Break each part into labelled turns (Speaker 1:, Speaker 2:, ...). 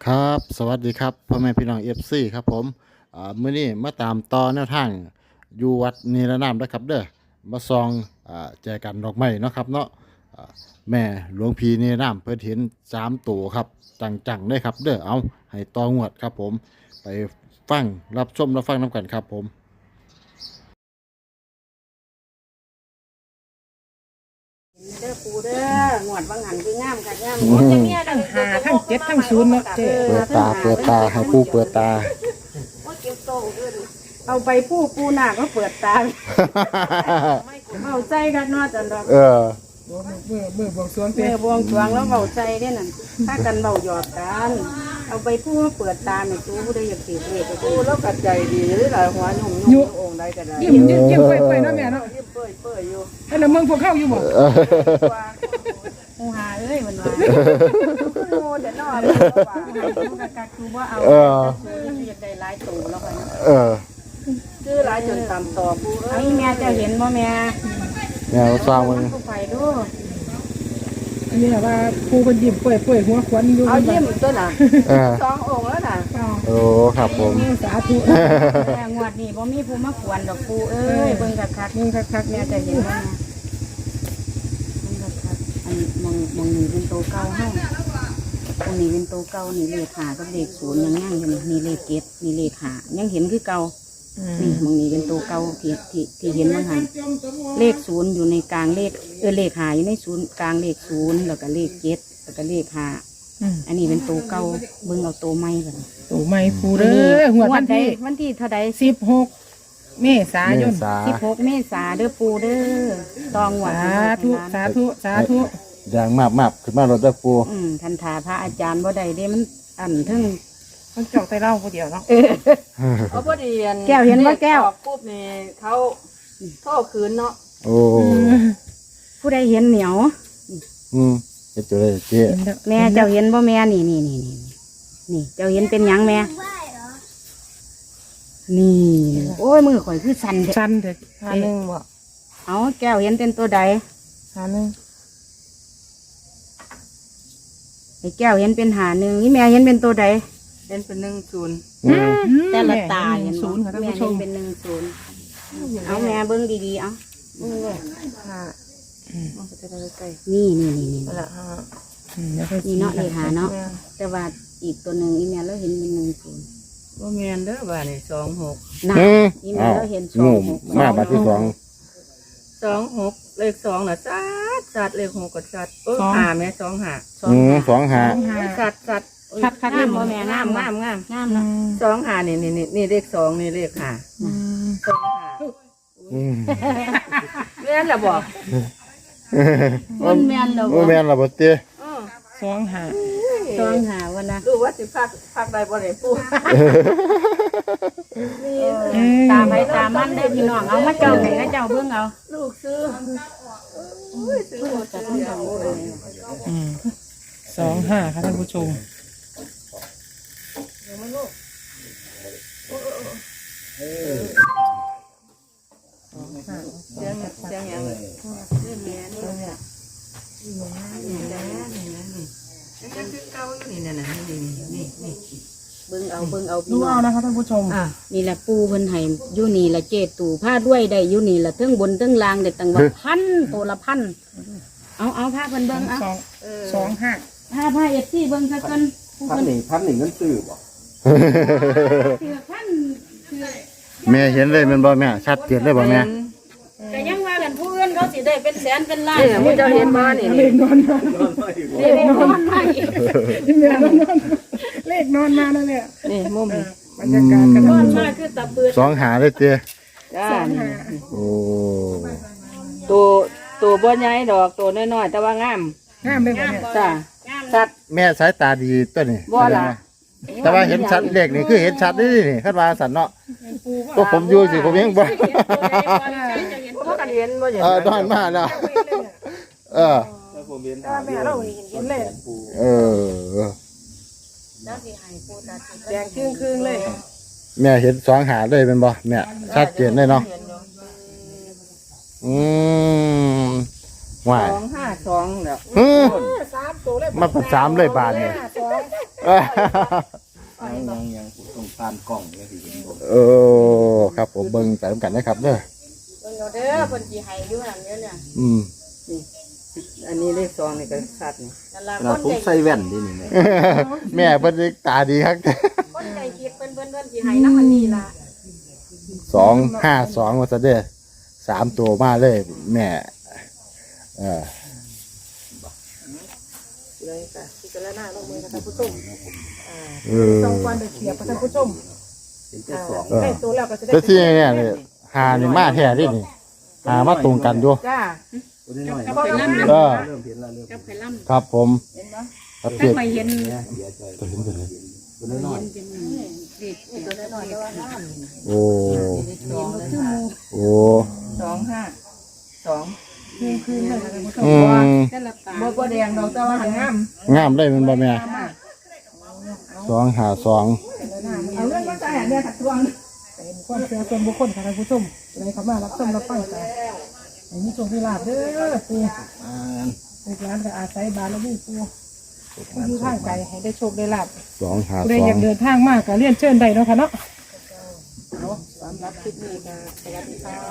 Speaker 1: ครับสวัสดีครับพ่อแม่พี่น้องเอฟซีครับผมมื้อนี้มาตามต่อแนวทางอยู่วัดนิรนามนะครับเด้อมาซองแจกันดอกไม้เนาะครับเนาะอ่าแม่หลวงพีนิรนามเพิ่นเห็น3 ตัวครับจังๆเลยครับเด้อเอาให้ต่องวดครับผมไปฟังรับชมรับฟังน้ำกันครับผม
Speaker 2: เด้อปูเด้อหมวดบางหันคืองามค่ะงาม
Speaker 3: ทั้งหาทั้งเจ็ดทั้งศูนย์เนาะเจ๊
Speaker 1: เปิดตาให้ผู้เปิดตา
Speaker 2: ว่าเก็บโตขึ้นเอาไปปูหน้าก็เปิดตาเอาใจกันเนาะจันดอก
Speaker 1: เออ
Speaker 3: มือบวงสรวงเจ๊
Speaker 2: เมื่อบวงสรวงแล้วเบาใจเนี่ยนั่นถ้ากันเบาหยอดกันเอาไปมาเปิดตาเนี่ยตูผู้ใดอยากติดเลขก็ปูแล้วกัดใจดีหรือหลายหัวหนุ่มองค์ใดก็ได้
Speaker 3: ยิ้มเปื่อยๆเนาะแม่เนาะ
Speaker 2: ยิ้มเปื่อยอยู่
Speaker 3: ให้เราเมืองพวกเข้าอยู่บ่
Speaker 2: หูหาเอ้ยมันว่าโง่เดี๋ยวนอนว่ากักคือว่าเอาอยากได้หลายตัวแล้วไป
Speaker 1: เออ
Speaker 2: คือหลายจนตามต่อปูไอ้แม่จะเห็นบ่แม่
Speaker 1: แนวสร้างมัน
Speaker 2: ผู้ไปดู
Speaker 3: อันนี้ว่าปูเป็นยิ้มเปื่อยหัวขวัญอยู่
Speaker 2: เอายิ้มตัวน่ะ
Speaker 1: เออ
Speaker 2: 2 องค์แล้วน่ะ
Speaker 1: โอ้ครับผม
Speaker 3: สาธุ
Speaker 2: แต่งวดนี้บ่มีผู้มาขวนดอกปูเอ้ยเบิ่งคักๆ
Speaker 3: มึงคักๆ
Speaker 2: แม่
Speaker 3: เนี่ย
Speaker 2: จะเห็นว่าเบิ่งคักๆอันมองนี่เป็นโตเก่าเฮาตรงนี้เป็นโตเก่านี่เลข5กับเลข0ยังอยู่นี่เลข7นี่เลข5ยังเห็นคือเก่านี่มองนี่เป็นโตเก่าที่เห็นว่าหั่นเลข0อยู่ในกลางเลขเลข5อยู่ใน0กลางเลข0แล้วก็เลข7แล้วก็เลข5อันนี้เป็นโตเก่าเบิ่งเอาโตใหม่บัดนี้
Speaker 3: ตู่ไม่ปูเด้อหัววันที่
Speaker 2: วันที่เท่าใด
Speaker 3: 16 เมษายน
Speaker 2: 16 เมษาเด้อปูเด้อตองหวาน
Speaker 3: สาธุ
Speaker 1: อย่างมากขึ้นมารถได้ปู
Speaker 2: ทันทาพระอาจารย์บ่ได้เด้มันอันทึ่ง
Speaker 3: มันจอกแต่เล่าผู้เดียวเนาะ
Speaker 4: เอาพอดีอัน
Speaker 2: แก้วเห็นว่าแก้ว
Speaker 4: ออปุ๊บนี่เขาโทษคืนเนาะ
Speaker 1: โอ้
Speaker 2: ผู้ใดเห็นเหนียว
Speaker 1: เฮ็ดตัวเลยเจ๊
Speaker 2: แม่เจ้าเห็นบ่แม่นี่เจ้าเห็นเป็นหยังแม่นี่โอ้ยมือข่อยคือสั่นเด้
Speaker 3: สั้นเถอะ1บ่
Speaker 2: เอาแก้วเห็นเป็นตัวใด
Speaker 3: 1
Speaker 2: ไอ้แก้วเห็นเป็นหาหนึ่งนี่แม่เห็นเป็นตัวใด
Speaker 4: เป็น10
Speaker 2: แต่ละตาเห็น
Speaker 3: ศูนย์ค่ะท่าน
Speaker 2: แม่
Speaker 3: ผู้ช
Speaker 2: เห็น
Speaker 3: ม
Speaker 2: เป็น10เอาแม่เบิ่งดีๆเอา
Speaker 4: มันก็จะได้ใกล้
Speaker 2: นี่
Speaker 4: นั่นแหละฮะ
Speaker 2: นี่เนาะเลขหาเนาะแต่ว่าอีกตัวหนึ่งอีแม่เราเห็นเป็น10
Speaker 4: ว่าแมนเด้อบ้านนี่26
Speaker 2: นะอีแม่เราเห็น
Speaker 1: งู
Speaker 2: 26
Speaker 1: มาบัดที่สอง
Speaker 4: 26เลข2น่ะสัดเลข6ก็สัดหาแม่2หา
Speaker 1: 2 5
Speaker 4: สัด
Speaker 2: คักๆงามบ่แม่งาม
Speaker 4: งาม
Speaker 2: งามเนาะ
Speaker 4: 2หานี่เลข2นี่เลข5 2หาแม่นล่ะบอก
Speaker 2: มันแม่นเรา
Speaker 1: โอ้แม่นล่ะบ่เต้
Speaker 3: 2
Speaker 2: ต้องหาวันนะ
Speaker 4: รู้ว่าสิพักได้บ่ได้ปู
Speaker 2: ตามไปตามมันได้พี่น้องเอามาเจ้าให้เจ้าเบิ่งเอา
Speaker 4: ลูกซื้อ
Speaker 2: จะต้องทำเลย
Speaker 3: 25ค่ะท่านผู้ชม
Speaker 4: เสียงหยังนี่
Speaker 2: เบิ่งเอาพี่
Speaker 3: ดู
Speaker 2: น้อ
Speaker 3: เอา
Speaker 2: ง
Speaker 3: นะคะท่านผู้ชม
Speaker 2: นี่แหละปูเพิ่นให้อยู่นี่ละเจตู่ผ้าด้วยได้อยู่นี่ละเทั้งบนเทั้งล่างได้ตั้งว่าพันตัวละพันเอาผ้าเพิ่นเบิ่งเอา
Speaker 3: 25
Speaker 2: ผ้าเอฟซีเบิ่งซะก่อนผู้
Speaker 5: พัน
Speaker 2: เพิ่น
Speaker 5: หนึ่งเงินซื้อบ่
Speaker 2: เสือพัน
Speaker 1: แม่เห็นเลยแมันบ่แม่ชัดเจนเลยบ่แม่
Speaker 2: แต่ยังว่ากันผู้อื่นเขาสิได้เป็นแสนเป็นล้าน
Speaker 4: นี่มึงจะเห็นมานี่
Speaker 3: เลขนอนมา
Speaker 2: เลขนอนมาอีก
Speaker 3: เลขนอนมานั่นแหละ
Speaker 4: นี่มุมนี่
Speaker 3: บรรยากาศกัน
Speaker 2: นอนมาคือตะปืด
Speaker 1: 2 หาเลยเต้
Speaker 4: จ้านี่
Speaker 1: โอ้
Speaker 4: ตัวบ่ใหญ่ดอกตัวน้อยๆแต่ว่างาม
Speaker 3: งามเลยบ่เนี่ย
Speaker 4: จ้าสัตว์
Speaker 1: แม่สายตาดีตัวนี้
Speaker 4: บ่ล่ะ
Speaker 1: แต่ว่าเห็นชัดเลขนี่คือเห็นชัดนี่คาดว่าสันเนาะก็ผมอยู่สิผมยังบ่
Speaker 4: เพราะกันเห็นบ่เห็น
Speaker 1: ตอนมาแล้วเออ
Speaker 5: แล้วผมเห็น
Speaker 3: แม่เราเห็นเลย
Speaker 1: เออ
Speaker 3: แดงครึ่งเลย
Speaker 1: แม่เห็น2 หาเลยเป็นบ่แม่ชัดเจนเลยเนาะว่า
Speaker 4: 252แล้ว
Speaker 1: ฮึ
Speaker 3: 3 ตัวตัวเลย
Speaker 1: มันเป็น3เลยบาทนี่
Speaker 3: สอง
Speaker 5: ยังต้องตามกล้องเลยสิเห็นบ่
Speaker 1: เออครับผมเบิ่งไปนำกันนะครับเด้อ
Speaker 2: เบิ่งเอาเด้อเพิ่นสิให้อยู่หั่นเด้อเนี่ย
Speaker 1: อืม
Speaker 4: อันนี้เลขสองนี่ก็ชัดนี่
Speaker 2: นั่นล่ะ
Speaker 5: ข
Speaker 2: ค
Speaker 5: นาด
Speaker 2: น
Speaker 5: ผม
Speaker 2: ใจ
Speaker 5: ใส่แว่นดินี่แม่
Speaker 1: แม่เพิ่นนี่ตาดีครับ
Speaker 2: คนใจคิดเพิ่นสิให้นำอันนี้ล่ะ
Speaker 1: 252ว่าซะเด้อ3ตัวมาเลย แม่เออ
Speaker 4: เลยค่ะพิจารณาลงมือนะคะผู้ชม
Speaker 1: เออ
Speaker 3: สองวันเด็กเขียบท่านผู้ชม
Speaker 5: เป็นแต่สอง
Speaker 3: ได้ตัวแล้วก็จะได้
Speaker 1: แต่ที่เนี่ยนี่หานี่มาแท้ดินี่หามาตรงกันอยู่
Speaker 4: จ้า
Speaker 5: ตัวน้อย
Speaker 3: ก็แล้ว
Speaker 1: เออ
Speaker 5: เริ่มเห็นแล้วเริ่ม
Speaker 2: กับไผล่ำ
Speaker 1: ครับผมครับ
Speaker 2: ถ้า
Speaker 1: เจ็ด
Speaker 2: ไม่เห็น
Speaker 5: เนี่ยเสียใจ
Speaker 1: ตัวเห็นตัวเลย
Speaker 5: ตัวน้อย
Speaker 2: เป็นเด็กตัวน้อยๆ
Speaker 1: โอ้
Speaker 4: สองเลยค่ะ
Speaker 1: โอ้
Speaker 4: 252
Speaker 3: คืนเลยท่านผู้ชม
Speaker 1: อืม
Speaker 2: แต่ละตา
Speaker 4: บ่แดงดอกแต่ว่าหันงาม
Speaker 1: งามเลยมันบ่แม่252
Speaker 4: เอาเรื่องมาใส่เนี่ยค่ะทวง
Speaker 3: เป็นความเชื่อส่วนบุคคลค่ะท่านผู้ชมเลยเขามารับชมรับฟังกันอันนี้โชคดีลาบเด้อปู
Speaker 5: ๆอ่า
Speaker 3: ลูกหลานก็อาศัยบารมีปูผู้อยู่ทางไกลให้ได้โชคได้ลาบ
Speaker 1: สองหา
Speaker 3: ผู้ใด
Speaker 1: สอ
Speaker 3: อง ยากเดินทางมากก็เรียนเชิญได้เนาะค่ะเนาะ
Speaker 4: สำหรับคลิปนี้ก็สวัสดีค่ะ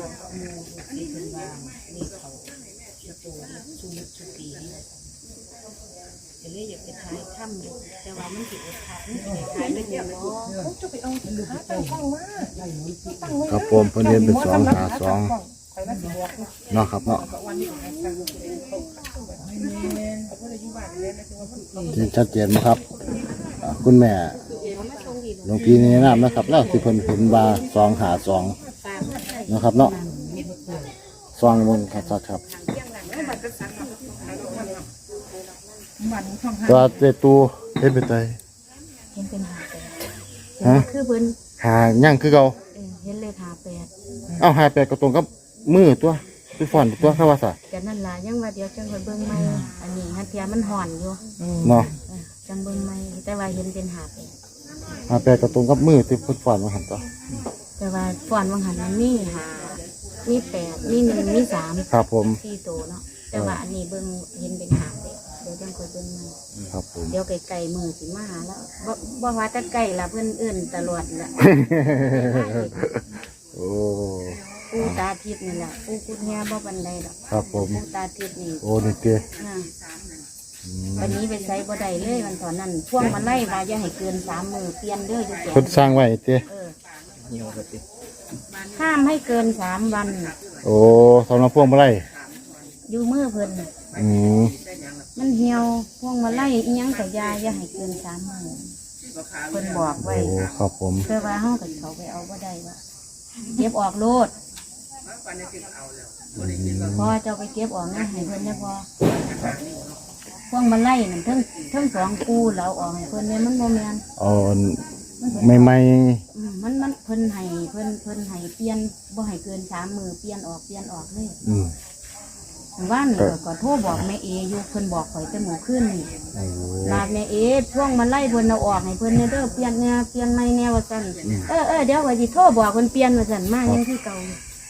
Speaker 2: จะเลยอยากไปถ่ายถ้ำอยู่แต่ว่ามันสิอดถ่ายมันสิถ่ายไม่เยอะเนาะ
Speaker 3: จะไปเอาหาตั้งกล้องมาตั้งไว้
Speaker 1: ครับผมเพิ่นเรียนเป็น252
Speaker 3: ไปมาสิบอก
Speaker 1: เนาะครับเนาะที่ชัดเจนนะครับคุณแม่หลวงพี่แนะนำนะครับแล้วที่เพิ่นเห็นว่า252นะครับเนาะซองบนครับ
Speaker 3: มันช่องห้า
Speaker 1: ตัวเตตูเฮ็ดเป็นได
Speaker 2: เห็นเป็นหาแปด
Speaker 1: ฮะ
Speaker 2: คือเพิ่น
Speaker 1: หายังคือเก่า
Speaker 2: เห็นเลขหาแปด
Speaker 1: เอ้าหาแปดก็ตรงกับมือตัวคือฟอนตัวเขาว่าซะ
Speaker 2: แต่นั่นล่ะยังว่าเดี๋ยวจังไปเบิ่งใหม่อันนี้ฮัทเทียมันห่อนอยู่
Speaker 1: เนาะ
Speaker 2: จังเบิ่งใหม่แต่ว่าเห็นเป็นหาแปด
Speaker 1: หาแปดก็ตรงกับมือที่เพิ่นฟอนมาหั่นตัว
Speaker 2: แต่ว่าฟ้อนวังหันมันมีหามีแปดมีหนึ่งมีสาม
Speaker 1: ครับผม
Speaker 2: สี่ตัวเนาะแต่ว่าอันนี้เบิ่งเห็นเป็นหาแปดเดี๋ยวจังคอยเบิ่งใหม่
Speaker 1: ครับผม
Speaker 2: เดี๋ยวไก่มือสิมาหาแล้วบ่ว่าแต่ไก่ละเพื่อนเอื่นตลอดละ
Speaker 1: โอ้
Speaker 2: ปูตาทิพย์นี่แหละปูกุดแง่บ่บันไดดอก
Speaker 1: ครับผม
Speaker 2: ปูตาทิพย์นี่
Speaker 1: โอ้นี่เตี้ย
Speaker 2: นะวันนี้ไปใช้บ่ได้เลยวันตอนนั้นพ่วงมาไล่ว่าอย่าให้เกิน3 มือเปลี่ยนเด้ออยู่แก่
Speaker 1: เพิ่นสร้างไว้เตี้ย
Speaker 5: เหี่ยวก็ติ
Speaker 2: ห้ามให้เกิน3 วัน
Speaker 1: โอ้สำหรับพวงมาลัย
Speaker 2: อยู่มือเพิ่นน่ะ
Speaker 1: อืม
Speaker 2: มันเหี่ยวพ่วงมาไล่อีหยังก็อย่าให้เกิน3 มือเพิ่นบอกไว้
Speaker 1: โอ้ครับผม
Speaker 2: แต่ว่าเฮาก็เขาไปเอาบ่ได้ว่าเก็บออกโลดพอเจ้าไปเก็บออกนะให้เพิ่นได้พอพวงมาไล่นั่นทั้ง2 คู่แล้วออกให้เพิ่นเนี่ยมันบ่แม่น
Speaker 1: เอาใหม่
Speaker 2: มันเพิ่นให้เพิ่นให้เปลี่ยนบ่ให้เกิน3 มือเปลี่ยนออกเลย
Speaker 1: ๆอืม
Speaker 2: ว่านนี่ก็โทรบอกแม่เออยู่เพิ่นบอกข่อยแต่หมู่ขึ้นนี่
Speaker 1: โอ้
Speaker 2: ลาดแม่เอพวงมาไล่เพิ่นเอาออกให้เพิ่นเนี่ยเด้อเปลี่ยนแนวเปลี่ยนใหม่แนวว่าซั่นเดี๋ยวว่าสิโทรบอกเพิ่นเปลี่ยนว่าซั่นมายังคือเก่า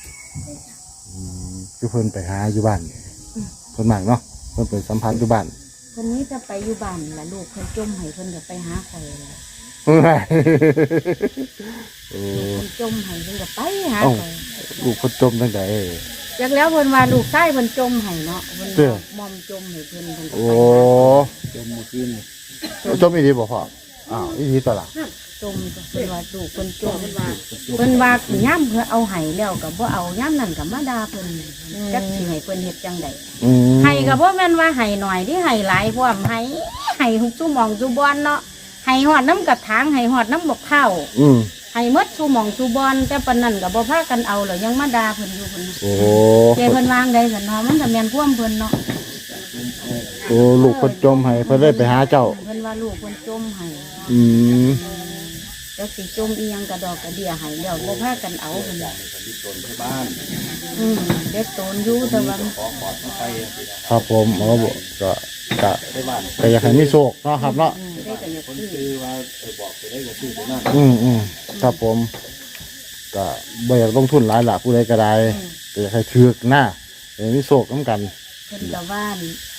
Speaker 1: คือเพิ่นไปหาอยู่บ้านเพิ่นมากเนาะเพิ่นไปสัมผัสอยู่บ้าน
Speaker 2: เพิ่นนี้จะไปอยู่บ้านล่ะลูกเพิ่นจมให้เพิ่นก็ไปหาข่อยล่ะ
Speaker 1: โอ้
Speaker 2: เพิ่นจมให้เพิ่นก็ไปหาข่อย
Speaker 1: ลูกเพิ่นจมจังได
Speaker 2: จากแล้วเพิ่นว่าลูกชายเพิ่นจมให้เนาะเพิ่น
Speaker 1: เด้อ
Speaker 2: มอมจมให้เพิ่นก็
Speaker 1: โอ้
Speaker 5: จมมือขึ้น
Speaker 1: จมอีดีบ่พ่ออ้าวอีดีตวล่ะ
Speaker 2: จมเพิ่นว่าลูกเพิ่นจมเพิ่นว่าย่ำเพิ่นเอาให้แล้วก็บ่เอาย่ำนั่นก็มาด่าเพิ่นจักสิให้เพิ่นเฮ็ดจังได๋
Speaker 1: อืม
Speaker 2: ให้ก็บ่แม่นว่าให้หน่อยที่ให้หลายพร้อมให้ซุหม่องซุบอนเนาะให้ฮอดน้ำกระถางให้ฮอดน้ำบกข้าว
Speaker 1: อืม
Speaker 2: ให้หมดซุหม่องซุบอนแต่ปานนั้นก็บ่พากันเอาแล้วยังมาด่าเพิ่นอยู่เพิ่น
Speaker 1: โอ้
Speaker 2: เจ้เพิ่นวางได้ซั่นเนาะมันก็แม่นความเพิ่นเนาะ
Speaker 1: โอ้ลูกเพิ่นจมให้เพิ่นได้ไปหาเจ้า
Speaker 2: เพิ่นว่าลูกเพิ่นจมให้
Speaker 1: อืม
Speaker 2: แล้วสิจมอีหยังกระดอกกระเดียให้แล้วบ่พากันเอาเพิ่น
Speaker 5: บ้าน
Speaker 2: เด็กโตนอยู่แต่ว่า
Speaker 5: ของปลอดภัย
Speaker 1: ครับผมอ๋อบ่ก็ก็
Speaker 5: ไปบ้าน
Speaker 1: ก็อยากให้มีโชคเนาะครับเนาะ
Speaker 2: ได้ก็อยาก
Speaker 5: คน
Speaker 2: ซื้อ
Speaker 5: คือว่าไปบอกไปได้ก็ซื้อไปนั่น
Speaker 1: ครับผมก็บ่อยากลงทุนหลายหลักผู้ใดก็ได้ก็อยากให้ถือกหน้าอยากให้มีโชคนำกัน
Speaker 2: เพิ่นก็ว่านี่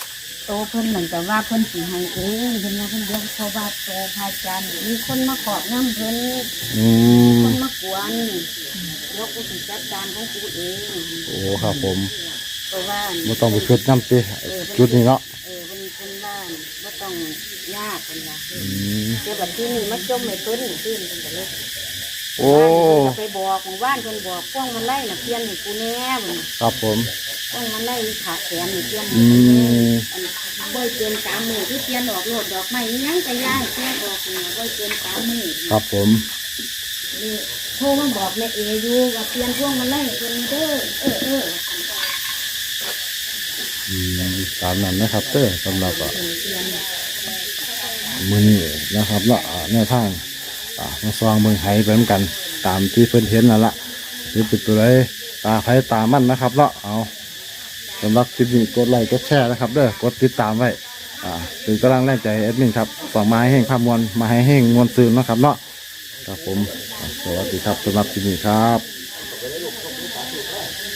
Speaker 2: โตเพิ่นเหมือนกับว่าเพิ่นสิให้เองเพิ่นว่าเพิ่นเดี๋ยวเพราะว่าโตพระอาจารย์มีคนมาขอบน้ำเพิ่น
Speaker 1: อืม
Speaker 2: คนมากวนยกกูสิจัดการของกูเอง
Speaker 1: โอ้ครับผม
Speaker 2: เพราะว่า
Speaker 1: ไม่ต้องไปคิดน้ำติจุดนี้เนาะ
Speaker 2: เพิ่นว่าบ่ต้องยากเพิ่นว่า
Speaker 1: อืม
Speaker 2: เดี๋ยวบัดที่นี่มาจมให้เพิ่นขึ้นเพิ่นก็เลย
Speaker 1: โอ้
Speaker 2: บ้านเพิ่นก็ไปบอกหมู่บ้านเพิ่นบอกพวกมันไล่น่ะเปลี่ยนให้กูแน่เพิ่น
Speaker 1: ครับผม
Speaker 2: พวกมันไล่ขาแขนนี่เปลี่ยนให้
Speaker 1: อื
Speaker 2: กูแน่
Speaker 1: ม
Speaker 2: อันบ่เกิน3มื้อคือเปลี่ยนออกโลดดอกไม้อิหยังก็ย้ายเปลี่ยนออกนี่บ่เกิน3มื้อ
Speaker 1: ครับผม
Speaker 2: นี่โทรมาบอกแม่เออยู่ว่าเปลี่ยนพวกมันไล่เพิ่นเด้อ
Speaker 1: อืมตามนั้นนะครับเต้อสำหรับ
Speaker 2: เปลี่ยน
Speaker 1: มือนี้นะครับเนาะแนวทางมาซองเมืองไห้ไปเหมือนกัน ตามที่เพิ่นเห็นนั่นละหรือเป็นตัวไรตาไผตามันนะครับเนาะเอาสำหรับคลิปนี้กดไลค์กดแชร์นะครับเด้อกดติดตามไว้เป็นกำลังแรงใจให้แอดมินครับฝากมาให้แห้งภาพมวลมาให้แห้งมวลซื่นนะครับเนาะครับผมสวัสดีครับสำหรับคลิปนี้ครับ